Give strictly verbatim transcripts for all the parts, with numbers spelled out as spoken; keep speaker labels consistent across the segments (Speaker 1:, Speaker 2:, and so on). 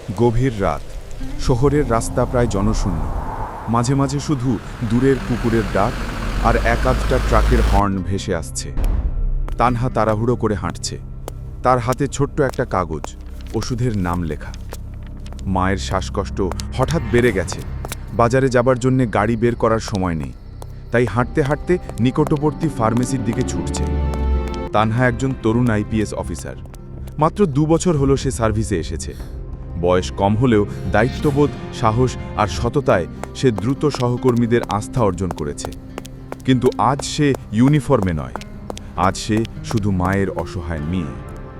Speaker 1: গভীর রাত, শহরের রাস্তা প্রায় জনশূন্য। মাঝে মাঝে শুধু দূরের কুকুরের ডাক আর এক আধটা ট্রাকের হর্ন ভেসে আসছে। তানহা তাড়াহুড়ো করে হাঁটছে, তার হাতে ছোট্ট একটা কাগজ, ওষুধের নাম লেখা। মায়ের শ্বাসকষ্ট হঠাৎ বেড়ে গেছে, বাজারে যাবার জন্যে গাড়ি বের করার সময় নেই, তাই হাঁটতে হাঁটতে নিকটবর্তী ফার্মেসির দিকে ছুটছে। তানহা একজন তরুণ আইপিএস অফিসার, মাত্র দু বছর হলো সে সার্ভিসে এসেছে। বয়স কম হলেও দায়িত্ববোধ, সাহস আর সততায় সে দ্রুত সহকর্মীদের আস্থা অর্জন করেছে। কিন্তু আজ সে ইউনিফর্মে নয়, আজ সে শুধু মায়ের অসহায় মেয়ে।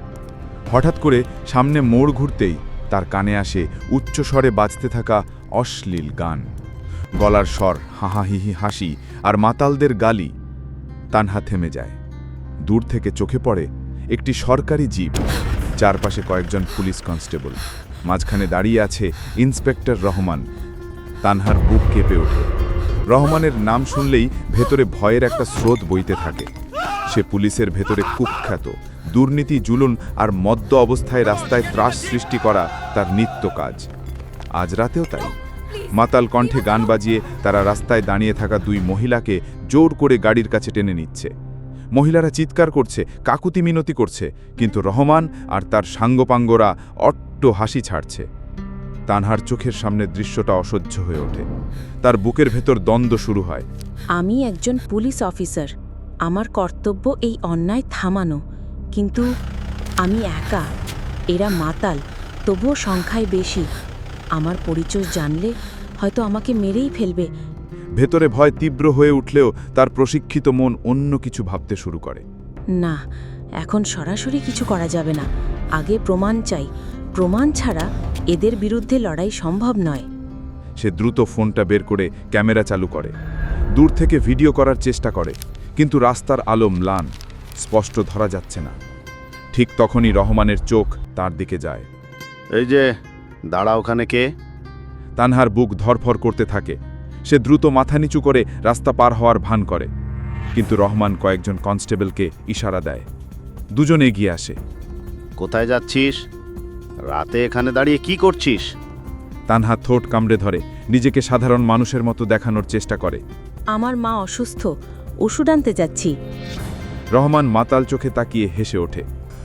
Speaker 1: হঠাৎ করে সামনে মোড় ঘুরতেই তার কানে আসে উচ্চস্বরে বাজতে থাকা অশ্লীল গান, গলার স্বর, হাহাহিহি হাসি আর মাতালদের গালি। তানহা থেমে যায়। দূর থেকে চোখে পড়ে একটি সরকারি জিপ, চারপাশে কয়েকজন পুলিশ কনস্টেবল, মাঝখানে দাঁড়িয়ে আছে ইন্সপেক্টর রহমান। তানহার বুক কেঁপে ওঠে। রহমানের নাম শুনলেই ভেতরে ভয়ের একটা স্রোত বইতে থাকে। সে পুলিশের ভেতরে কুখ্যাত, দুর্নীতি, জুলুন আর মদ্য অবস্থায় রাস্তায় ত্রাস সৃষ্টি করা তার নিত্য কাজ। আজ রাতেও তাই। মাতাল কণ্ঠে গান বাজিয়ে তারা রাস্তায় দাঁড়িয়ে থাকা দুই মহিলাকে জোর করে গাড়ির কাছে টেনে নিচ্ছে। মহিলারা চিৎকার করছে, কাকুতি মিনতি করছে, কিন্তু রহমান আর তার সাঙ্গপাঙ্গরা অট্ট হাসি ছাড়ছে। তানহার চোখের সামনে দৃশ্যটা অসহ্য হয়ে ওঠে। তার বুকের ভেতর দ্বন্দ্ব শুরু হয়।
Speaker 2: আমি একজন পুলিশ অফিসার, আমার কর্তব্য এই অন্যায় থামানো, কিন্তু আমি একা, এরা মাতাল, তবুও সংখ্যায় বেশি। আমার পরিচয় জানলে হয়তো আমাকে মেরেই ফেলবে।
Speaker 1: ভেতরে ভয় তীব্র হয়ে উঠলেও তার প্রশিক্ষিত মন অন্য কিছু ভাবতে শুরু করে।
Speaker 2: না, এখন সরাসরি কিছু করা যাবে না, আগে প্রমাণ চাই। প্রমাণ ছাড়া এদের বিরুদ্ধে লড়াই সম্ভব নয়।
Speaker 1: সে দ্রুত ফোনটা বের করে ক্যামেরা চালু করে, দূর থেকে ভিডিও করার চেষ্টা করে, কিন্তু রাস্তার আলো ম্লান, স্পষ্ট ধরা যাচ্ছে না। ঠিক তখনই রহমানের চোখ তার দিকে যায়।
Speaker 3: এই যে, দাঁড়া, ওখানে কে?
Speaker 1: তানহার বুক ধরফর করতে থাকে। সে দ্রুত মাথা নিচু করে রাস্তা পার হওয়ার ভান করে, কিন্তু রহমান কয়েকজন কনস্টেবলকে ইশারা দেয়। দুজন এগিয়ে আসে।
Speaker 3: কোথায় যাচ্ছিস? রাতে এখানে দাঁড়িয়ে কি করছিস?
Speaker 1: তানহা ঠোঁট কামড়ে ধরে, নিজেকে সাধারণ মানুষের মতো দেখানোর চেষ্টা করে।
Speaker 2: আমার মা অসুস্থ, ওষুধ আনতে যাচ্ছি।
Speaker 1: রহমান মাতাল চোখে তাকিয়ে হেসে ওঠে।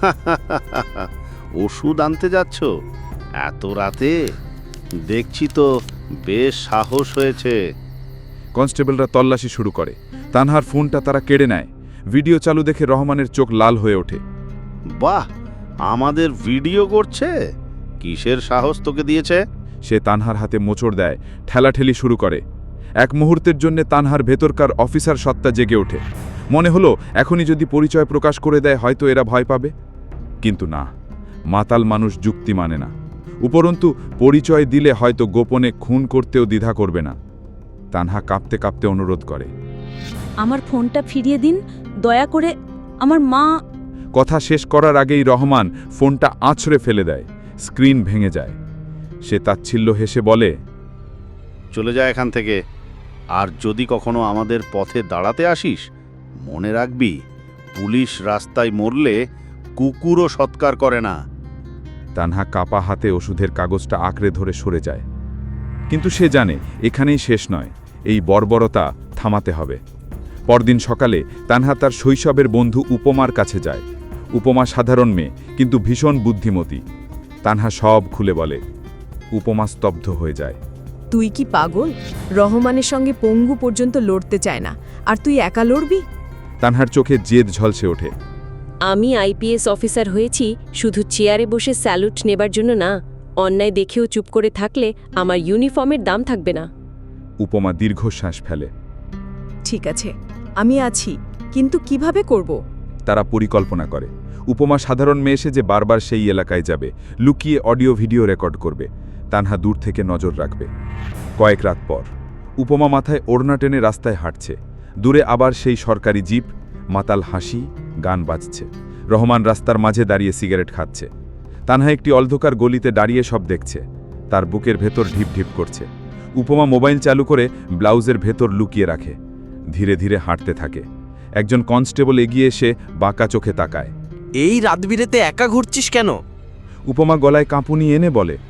Speaker 3: ওষুধ আনতে যাচ্ছ এত রাতে? দেখছি তো বেশ সাহস হয়েছে।
Speaker 1: কনস্টেবলরা তল্লাশি শুরু করে। তানহার ফোনটা তারা কেড়ে নেয়। ভিডিও চালু দেখে রহমানের চোখ লাল হয়ে ওঠে।
Speaker 3: বাহ, আমাদের ভিডিও করছে? কিসের সাহস তোকে দিয়েছে?
Speaker 1: সে তানহার হাতে মোচড় দেয়, ঠেলাঠেলি শুরু করে। এক মুহূর্তের জন্য তানহার ভেতরকার অফিসার সত্তা জেগে ওঠে। মনে হলো এখনই যদি পরিচয় প্রকাশ করে দেয় হয়তো এরা ভয় পাবে, কিন্তু না, মাতাল মানুষ যুক্তি মানে না। উপরন্তু পরিচয় দিলে হয়তো গোপনে খুন করতেও দ্বিধা করবে না। তানহা কাঁপতে কাঁপতে অনুরোধ করে,
Speaker 2: আমার ফোনটা ফিরিয়ে দিন, দয়া করে, আমার মা।
Speaker 1: কথা শেষ করার আগেই রহমান ফোনটা আছড়ে ফেলে দেয়। স্ক্রিন ভেঙে যায়। সে তাচ্ছিল্য হেসে বলে,
Speaker 3: চলে যা এখান থেকে। আর যদি কখনো আমাদের পথে দাঁড়াতে আসিস, মনে রাখবি, পুলিশ রাস্তায় মরলে কুকুরও সৎকার করে না।
Speaker 1: তানহা কাপা হাতে ওষুধের কাগজটা আঁকড়ে ধরে সরে যায়। কিন্তু সে জানে এখানেই শেষ নয়, এই বর্বরতা থামাতে হবে। পরদিন সকালে তানহা তার শৈশবের বন্ধু উপমার কাছে যায়। উপমা সাধারণ মেয়ে, কিন্তু ভীষণ বুদ্ধিমতী। তানহা সব খুলে বলে। উপমা স্তব্ধ হয়ে যায়।
Speaker 4: তুই কি পাগল? রহমানের সঙ্গে পঙ্গু পর্যন্ত লড়তে চায় না, আর তুই একা লড়বি?
Speaker 1: তানহার চোখে জেদ ঝলসে ওঠে।
Speaker 5: আমি আইপিএস অফিসার হয়েছি শুধু চেয়ারে বসে স্যালুট নেবার জন্য না। অন্যায় দেখেও চুপ করে থাকলে আমার ইউনিফর্মের দাম থাকবে না।
Speaker 1: উপমা দীর্ঘশ্বাস ফেলে।
Speaker 4: ঠিক আছে, আমি আছি, কিন্তু কিভাবে করব?
Speaker 1: তারা পরিকল্পনা করে। উপমা সাধারণ মেয়ে এসে যে বারবার সেই এলাকায় যাবে, লুকিয়ে অডিও ভিডিও রেকর্ড করবে। তানহা দূর থেকে নজর রাখবে। কয়েক রাত পর উপমা মাথায় ওড়না টেনে রাস্তায় হাঁটছে। দূরে আবার সেই সরকারি জিপ, মাতাল হাসি, গান বাজছে। রহমান রাস্তার মাঝে দাঁড়িয়ে সিগারেট খাচ্ছে। তানহা একটি অন্ধকার গলিতে দাঁড়িয়ে সব দেখছে। তার বুকের ভেতর ঢিপ ঢিপ করছে। উপমা মোবাইল চালু করে ব্লাউজের ভেতর লুকিয়ে রাখে। ধীরে ধীরে হাঁটতে থাকে। একজন কনস্টেবল এগিয়ে এসে বাঁকা চোখে তাকায়।
Speaker 6: এই রাতবিরেতে একা ঘুরছিস কেন?
Speaker 1: উপমা গলায় কাঁপুনি এনে বলে,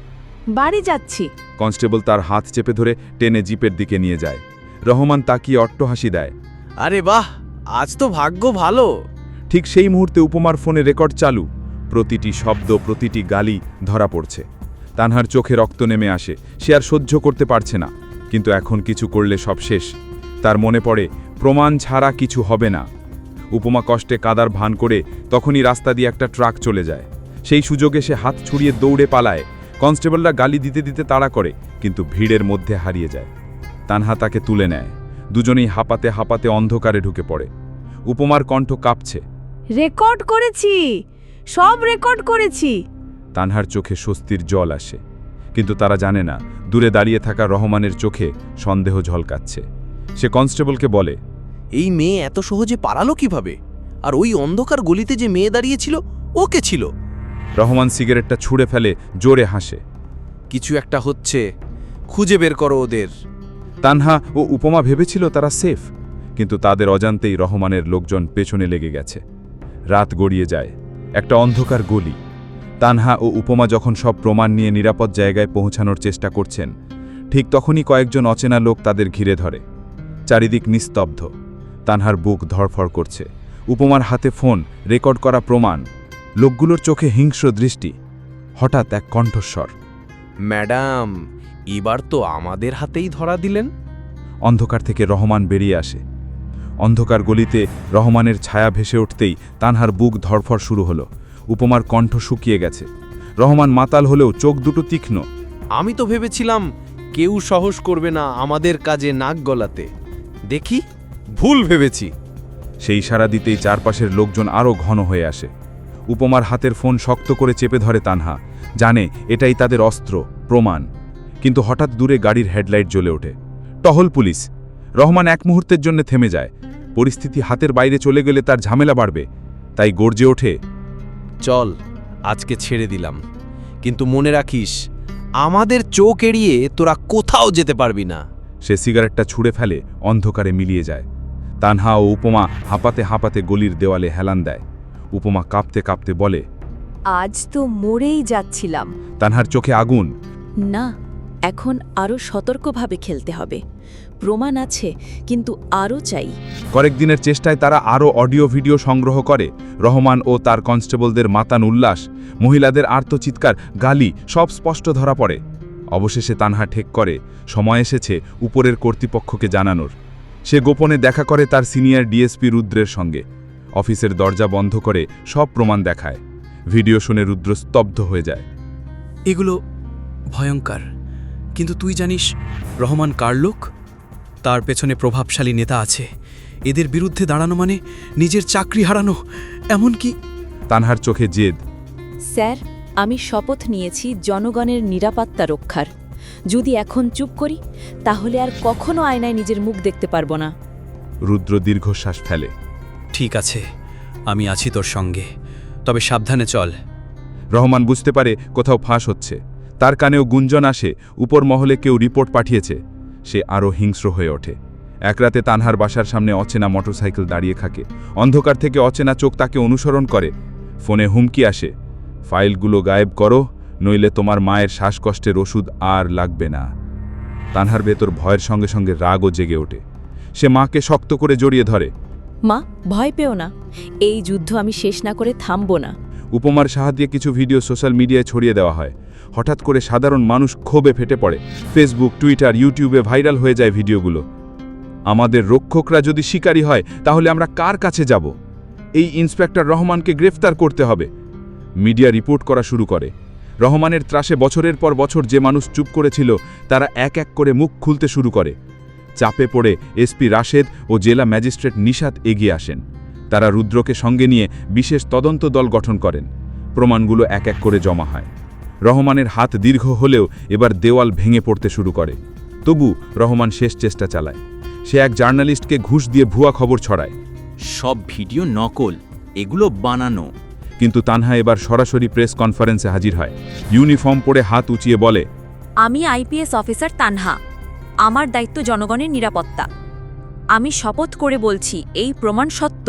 Speaker 4: বাড়ি যাচ্ছি।
Speaker 1: কনস্টেবল তার হাত চেপে ধরে টেনে জিপের দিকে নিয়ে যায়। রহমান তাকিয়ে অট্টহাসি দেয়।
Speaker 6: আরে বাহ, আজ তো ভাগ্য ভালো।
Speaker 1: ঠিক সেই মুহূর্তে উপমার ফোনে রেকর্ড চালু। প্রতিটি শব্দ, প্রতিটি গালি ধরা পড়ছে। তানহার চোখে রক্ত নেমে আসে। সে আর সহ্য করতে পারছে না, কিন্তু এখন কিছু করলে সব শেষ। তার মনে পড়ে, প্রমাণ ছাড়া কিছু হবে না। উপমা কষ্টে কাদার ভান করে তখনই রাস্তা দিয়ে একটা ট্রাক চলে যায়। সেই সুযোগে সে হাত ছুড়িয়ে দৌড়ে পালায়। কনস্টেবলরা গালি দিতে দিতে তাড়া করে, কিন্তু ভিড়ের মধ্যে হারিয়ে যায়। তানহা তাকে তুলে নেয়। দুজনেই হাঁপাতে হাঁপাতে অন্ধকারে ঢুকে পড়ে। উপমার কণ্ঠ কাঁপছে।
Speaker 4: রেকর্ড করেছি, সব রেকর্ড করেছি।
Speaker 1: তানহার চোখে স্বস্তির জল আসে, কিন্তু তারা জানে না দূরে দাঁড়িয়ে থাকা রহমানের চোখে সন্দেহ ঝলকাচ্ছে। সে কনস্টেবলকে বলে,
Speaker 6: এই মেয়ে এত সহজে পালালো কিভাবে? আর ওই অন্ধকার গলিতে যে মেয়ে দাঁড়িয়েছিল, ও কে ছিল?
Speaker 1: রহমান সিগারেটটা ছুঁড়ে ফেলে জোরে হাসে।
Speaker 6: কিছু একটা হচ্ছে, খুঁজে বের করো ওদের।
Speaker 1: তানহা ও উপমা ভেবেছিল তারা সেফ, কিন্তু তাদের অজান্তেই রহমানের লোকজন পেছনে লেগে গেছে। রাত গড়িয়ে যায়। একটা অন্ধকার গলি। তানহা ও উপমা যখন সব প্রমাণ নিয়ে নিরাপদ জায়গায় পৌঁছানোর চেষ্টা করছেন, ঠিক তখনই কয়েকজন অচেনা লোক তাদের ঘিরে ধরে। চারিদিক নিস্তব্ধ। তানহার বুক ধড়ফড় করছে। উপমার হাতে ফোন, রেকর্ড করা প্রমাণ। লোকগুলোর চোখে হিংস্র দৃষ্টি। হঠাৎ এক কণ্ঠস্বর,
Speaker 6: ম্যাডাম, এবার তো আমাদের হাতেই ধরা দিলেন।
Speaker 1: অন্ধকার থেকে রহমান বেরিয়ে আসে। অন্ধকার গলিতে রহমানের ছায়া ভেসে উঠতেই তানহার বুক ধড়ফড় শুরু হলো। উপমার কণ্ঠ শুকিয়ে গেছে। রহমান মাতাল হলেও চোখ দুটো তীক্ষ্ণ।
Speaker 6: আমি তো ভেবেছিলাম কেউ সাহস করবে না আমাদের কাজে নাক গলাতে। দেখি ভুল ভেবেছি।
Speaker 1: সেই ইশারা দিতেই চারপাশের লোকজন আরও ঘন হয়ে আসে। উপমার হাতের ফোন শক্ত করে চেপে ধরে তানহা, জানে এটাই তাদের অস্ত্র, প্রমাণ। কিন্তু হঠাৎ দূরে গাড়ির হেডলাইট জ্বলে ওঠে। টহল পুলিশ। রহমান এক মুহূর্তের জন্য থেমে যায়। পরিস্থিতি হাতের বাইরে চলে গেলে তার ঝামেলা বাড়বে, তাই গর্জে ওঠে,
Speaker 6: চল, আজকে ছেড়ে দিলাম, কিন্তু মনে রাখিস, আমাদের চোখ এড়িয়ে তোরা কোথাও যেতে পারবি না।
Speaker 1: সে সিগারেটটা ছুঁড়ে ফেলে, অন্ধকারে মিলিয়ে যায়। তানহা ও উপমা হাঁপাতে হাঁপাতে গলির দেওয়ালে হেলান দেয়। উপমা কাঁপতে কাঁপতে বলে,
Speaker 4: আজ তো মরেই যাচ্ছিলাম।
Speaker 1: তানহার চোখে আগুন।
Speaker 2: না, এখন আরও সতর্কভাবে খেলতে হবে। প্রমাণ আছে, কিন্তু আরও চাই।
Speaker 1: কয়েকদিনের চেষ্টায় তারা আরও অডিও ভিডিও সংগ্রহ করে। রহমান ও তার কনস্টেবলদের মাতান উল্লাস, মহিলাদের আর্তচিৎকার, গালি সব স্পষ্ট ধরা পড়ে। অবশেষে তানহা ঠেক করে, সময় এসেছে উপরের কর্তৃপক্ষকে জানানোর। সে গোপনে দেখা করে তার সিনিয়র ডিএসপি রুদ্রের সঙ্গে। অফিসের দরজা বন্ধ করে সব প্রমাণ দেখায়। ভিডিও শুনে রুদ্র স্তব্ধ হয়ে যায়।
Speaker 7: এগুলো ভয়ঙ্কর, কিন্তু তুই জানিস রহমান কার লোক? তার পেছনে প্রভাবশালী নেতা আছে। এদের বিরুদ্ধে দাঁড়ানো মানে নিজের চাকরি হারানো, এমনকি।
Speaker 1: তানহার চোখে জেদ।
Speaker 2: স্যার, আমি শপথ নিয়েছি জনগণের নিরাপত্তা রক্ষার। যদি এখন চুপ করি, তাহলে আর কখনো আয়নায় নিজের মুখ দেখতে পারবো না।
Speaker 1: রুদ্র দীর্ঘশ্বাস ফেলে।
Speaker 7: ঠিক আছে, আমি আছি তোর সঙ্গে, তবে সাবধানে চল।
Speaker 1: রহমান বুঝতে পারে কোথাও ফাঁস হচ্ছে। তার কানেও গুঞ্জন আসে, উপর মহলে কেউ রিপোর্ট পাঠিয়েছে। সে আরও হিংস্র হয়ে ওঠে। এক রাতে তানহার বাসার সামনে অচেনা মোটরসাইকেল দাঁড়িয়ে থাকে। অন্ধকার থেকে অচেনা চোখ তাকে অনুসরণ করে। ফোনে হুমকি আসে, ফাইলগুলো গায়েব করো, নইলে তোমার মায়ের শ্বাসকষ্টের ওষুধ আর লাগবে না। তানহার ভেতর ভয়ের সঙ্গে সঙ্গে রাগও জেগে ওঠে। সে মাকে শক্ত করে জড়িয়ে ধরে।
Speaker 2: মা, ভয় পেও না। এই যুদ্ধ আমি শেষ না করে থামবো না।
Speaker 1: উপমার সাহায্যে কিছু ভিডিও সোশ্যাল মিডিয়ায় ছড়িয়ে দেওয়া হয়। হঠাৎ করে সাধারণ মানুষ ক্ষোভে ফেটে পড়ে। ফেসবুক, টুইটার, ইউটিউবে ভাইরাল হয়ে যায় ভিডিওগুলো। আমাদের রক্ষকরা যদি শিকারী হয়, তাহলে আমরা কার কাছে যাব? এই ইন্সপেক্টর রহমানকে গ্রেফতার করতে হবে। মিডিয়া রিপোর্ট করা শুরু করে। রহমানের ত্রাসে বছরের পর বছর যে মানুষ চুপ করেছিল, তারা এক এক করে মুখ খুলতে শুরু করে। চাপে পড়ে এসপি রাশেদ ও জেলা ম্যাজিস্ট্রেট নিশাত এগিয়ে আসেন। তারা রুদ্রকে সঙ্গে নিয়ে বিশেষ তদন্ত দল গঠন করেন। প্রমাণগুলো এক এক করে জমা হয়। রহমানের হাত দীর্ঘ হলেও এবার দেওয়াল ভেঙে পড়তে শুরু করে। তবু রহমান শেষ চেষ্টা চালায়। সে এক জার্নালিস্টকে ঘুষ দিয়ে ভুয়া খবর ছড়ায়।
Speaker 8: সব ভিডিও নকল, এগুলো বানানো।
Speaker 1: কিন্তু তানহা এবার সরাসরি প্রেস কনফারেন্সে হাজির হয়। ইউনিফর্ম পরে হাত উঁচিয়ে বলে,
Speaker 9: আমি আইপিএস অফিসার তানহা। আমার দায়িত্ব জনগণের নিরাপত্তা। আমি শপথ করে বলছি, এই প্রমাণ সত্য।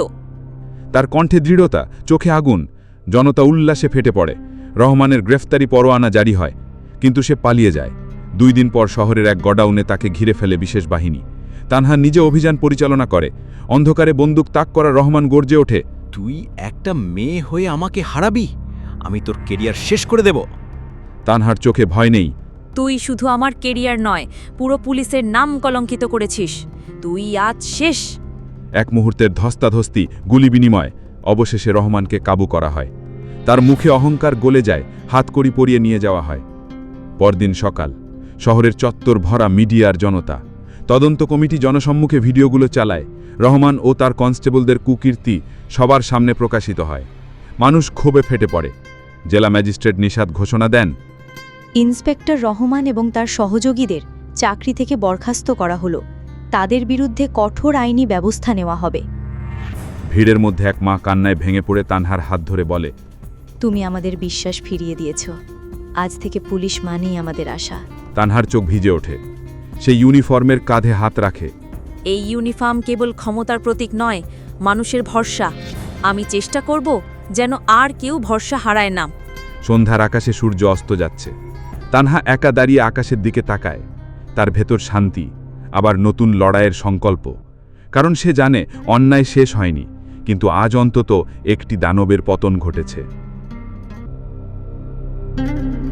Speaker 1: তার কণ্ঠে দৃঢ়তা, চোখে আগুন। জনতা উল্লাসে ফেটে পড়ে। রহমানের গ্রেফতারি পরোয়ানা জারি হয়। কিন্তু সে পালিয়ে যায়। দুই দিন পর শহরের এক গডাউনে তাকে ঘিরে ফেলে বিশেষ বাহিনী। তানহা নিজে অভিযান পরিচালনা করে। অন্ধকারে বন্দুক তাক করা রহমান গর্জে ওঠে,
Speaker 8: তুই একটা মেয়ে হয়ে আমাকে হারাবি? আমি তোর কেরিয়ার শেষ করে দেব।
Speaker 1: তানহার চোখে ভয় নেই।
Speaker 9: তুই শুধু আমার কেরিয়ার নয়, পুরো পুলিশের নাম কলঙ্কিত করেছিস। তুই আজ শেষ।
Speaker 1: এক মুহূর্তের ধস্তাধস্তি, গুলি বিনিময়, অবশেষে রহমানকে কাবু করা হয়। তার মুখে অহংকার গলে যায়, হাতকড়ি পরিয়ে নিয়ে যাওয়া হয়। পরদিন সকাল, শহরের চত্বর ভরা মিডিয়ার জনতা। তদন্ত কমিটি জনসম্মুখে ভিডিওগুলো চালায়। রহমান ও তার কনস্টেবলদের কুকীর্তি সবার সামনে প্রকাশিত হয়। মানুষ ক্ষোভে ফেটে পড়ে। জেলা ম্যাজিস্ট্রেট নিষাদ ঘোষণা দেন,
Speaker 10: ইন্সপেক্টর রহমান এবং তার সহযোগীদের চাকরি থেকে বরখাস্ত করা হলো। তাদের বিরুদ্ধে কঠোর আইনি ব্যবস্থা নেওয়া হবে।
Speaker 1: ভিড়ের মধ্যে এক মা কান্নায় ভেঙে পড়ে তানহার হাত ধরে বলে,
Speaker 10: তুমি আমাদের বিশ্বাস ফিরিয়ে দিয়েছ। আজ থেকে পুলিশ মানেই আমাদের আশা।
Speaker 1: তানহার চোখ ভিজে ওঠে। সে ইউনিফর্মের কাঁধে হাত রাখে।
Speaker 9: এই ইউনিফর্ম কেবল ক্ষমতার প্রতীক নয়, মানুষের ভরসা। আমি চেষ্টা করব যেন আর কেউ ভরসা হারায় না।
Speaker 1: সন্ধ্যার আকাশে সূর্য অস্ত যাচ্ছে। তানহা একা দাঁড়িয়ে আকাশের দিকে তাকায়। তার ভেতর শান্তি, আবার নতুন লড়াইয়ের সংকল্প। কারণ সে জানে অন্যায় শেষ হয়নি, কিন্তু আজ অন্তত একটি দানবের পতন ঘটেছে।